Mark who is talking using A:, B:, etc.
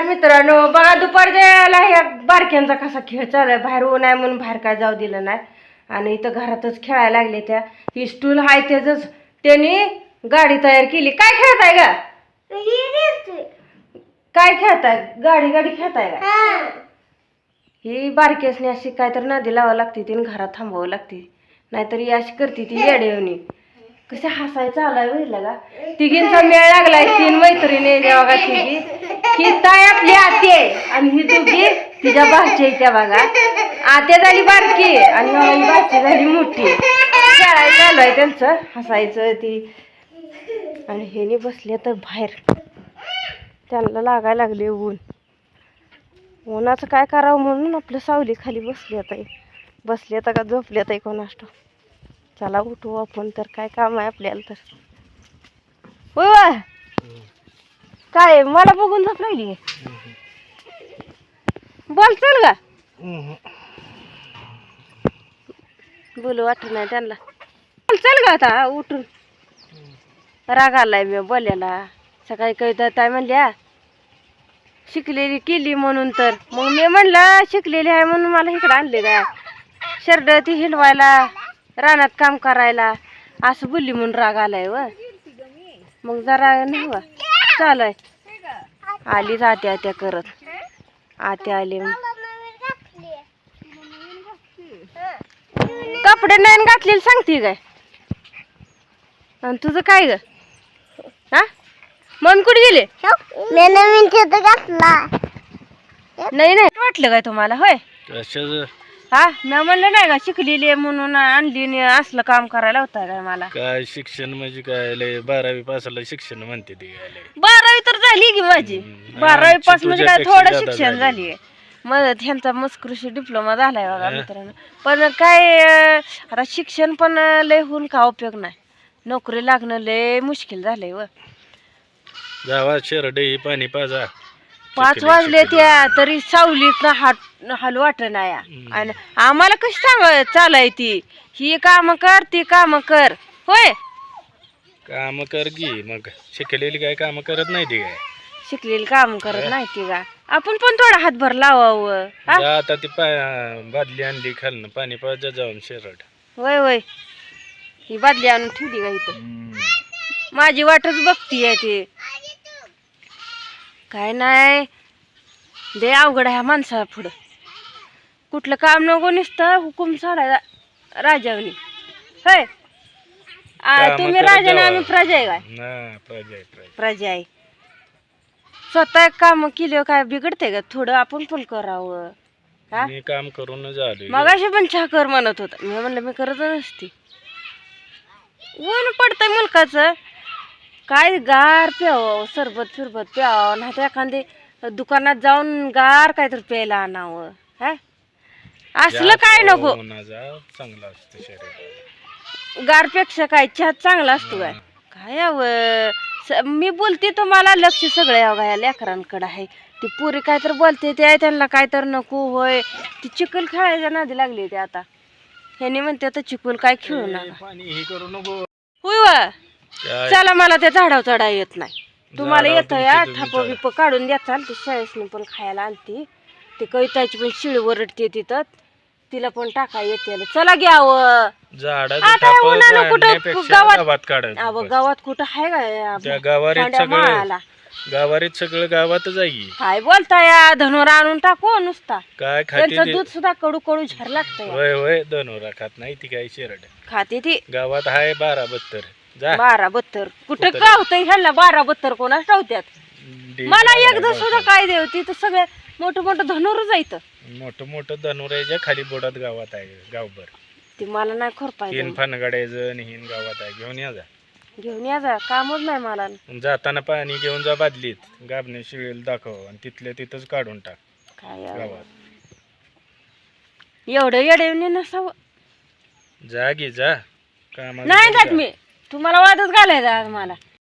A: मित्रांनो बघा दुपारच्या ह्या बारक्यांचा कसा खेळ चालू आहे. बाहेर ऊन आहे म्हणून बाहेर काय जाऊ दिलं नाही आणि इथं घरातच खेळायला लागले. त्या ही स्टूल आहे त्याच त्यांनी गाडी तयार केली. काय खेळताय का? काय खेळताय? गाडी गाडी खेळताय का? ही बारकेसनी अशी काय तर नदी लावावं लागते तिने घरात थांबवावं लागते, नाहीतर ही अशी करते ती येडेवणी. कसे हसायचं आलाय बघितलं का? तिघींचा मेळ लागलाय. 3 मैत्रिणी बघा तिघी. ही ताय आपली आती आहे आणि ही दोघी तिच्या भाची त्या बघा. आत्या झाली बारकी आणि ही भाची झाली मोठी. खेळायचं चालू आहे त्यांचं, हसायचं ती. आणि हेनी बसले तर बाहेर त्यांना लागायला लागले ऊन. उन्हाचं काय करावं म्हणून आपलं सावली खाली बसले आता का झोपले आता कोणास ठाऊक. चला उठू आपण तर, काय काम आहे आपल्याला तर. होय वा काय मला बघून झोप लागली. बोल चल का बोलू वाटत नाही त्यांना. बोल चल का आता उठून. राग आलाय मी बोलायला. सकाळी कविता ताई म्हणल्या शिकलेली केली म्हणून, तर मग मी म्हणलं शिकलेली आहे म्हणून मला इकडे आणले का शर्ट ती हिंडवायला रानात काम करायला असं बोलली म्हणून राग आलाय व. मग जरा नाही वा चालू आहे. आलीच आत्या आत्या करत. आत्या आली कपडे नाही घातलेली सांगते काय. आणि तुझं काय ग? हा मन कुठे गेले? नाही नाही वाटलं काय तुम्हाला? होय हा मी म्हणलं नाही का शिकलेली म्हणून आणली असलं काम करायला होता काय मला?
B: काय शिक्षण म्हणजे काय लय 12वी पासाला शिक्षण म्हणते ती.
A: 12वी तर झाली की माझी. 12वी पास म्हणजे काय थोडं शिक्षण झाली. मग ह्यांचा मस्कृषी डिप्लोमा झालाय बघा मित्रांनो. पण काय आता शिक्षण पण लय होऊन का उपयोग नाही. नोकरी लागणं लय मुश्किल झालंय व.
B: गावात शेरडे पाणी पाजा
A: 5 वाजले त्या तरी सावलीत हाल वाट नाही. आणि आम्हाला कशी सांग चालाय ती ही काम कर ती काम कर. होय
B: काम कर की. मग शिकलेली काय काम करत नाही ती काय?
A: शिकलेली काम करत नाही ती का? आपण पण थोडा हातभर लावावं.
B: आता ती बादली आणली खालनं पाणी पाजा जाऊन शेरड.
A: होय होय ही बादली आणून ठेवली का इथं? माझी वाटच बघतीये ती. काय नाही दे अवघड आहे माणसा पुढं. कुठलं काम नको नुसतं हुकूम सोडायला राजावनी. होय तुम्ही राजा ना आम्ही प्रजा आहे काय? प्रजा आहे. स्वतः काम केलं काय बिघडते का? थोडं आपण पण करावं.
B: मी काम करून झालो.
A: मगाशी पण चहा कर म्हणत होता. मी म्हणलं मी करत नसती. ऊन पडतंय मुलकाचं. काय गार प्यावं सरबत फिरबत प्यावं, नाही तर एखादी दुकानात जाऊन गार काहीतरी प्यायला आणावं. हा असलं काय नको.
B: चांगलं असतं शरीर.
A: गारपेक्षा काय चहा चांगला असतो काय? काय यावं मी बोलते तुम्हाला लक्ष सगळं यावं या लेकरांकडे आहे. ती पुरी काय तर बोलते ते त्यांना काय तर नको. होय ती चिखल खेळायच्या नादी लागली ते आता. ह्यानी म्हणते आता चिखल काय खेळू नका. होय वा चला मला त्या झाडावर चढा येत नाही. तुम्हाला येतं या थाप बिप काढून द्याचाल. ती शाळेसनी पण खायला आणते. ती कविताची पण शिळी वरडते तिथं. तिला पण टाका येते. चला घ्यावं. आता उन्हानं कुठं गावात कुठं आहे का?
B: गावारीत सगळं गावातच आहे.
A: काय बोलता या धनोरा आणून टाकू नुसता.
B: काय
A: त्यांचं दूध सुद्धा कडू कडू झर लागतं.
B: होय होय धनोरा खात नाही ती काय शेरड
A: खाते ती.
B: गावात आहे 12-72.
A: 12-72 कुठं गावतंय ह्याला? 12-72 कोणाच ठेवत्यात? मला एकदा सुद्धा काय देवती तर सगळ्या मोठं मोठं धनुर जायचं.
B: मोठं धनुराच्या खाली बोटात गावात आहे गावभर.
A: ती मला नाही खोरपाय.
B: 3 फनगाड्याचं हिन गावात आहे. घेऊन
A: या जा कामच नाही मला.
B: जाताना पाणी घेऊन जा बादलीत. गाबने शिळेल दाखव आणि तिथल्या तिथंच काढून टाक.
A: काय
B: गावात
A: एवढं येडे नसावं.
B: जा गी जा. काम
A: नाही जात मी. तुम्हाला वादच घालायचा आज मला.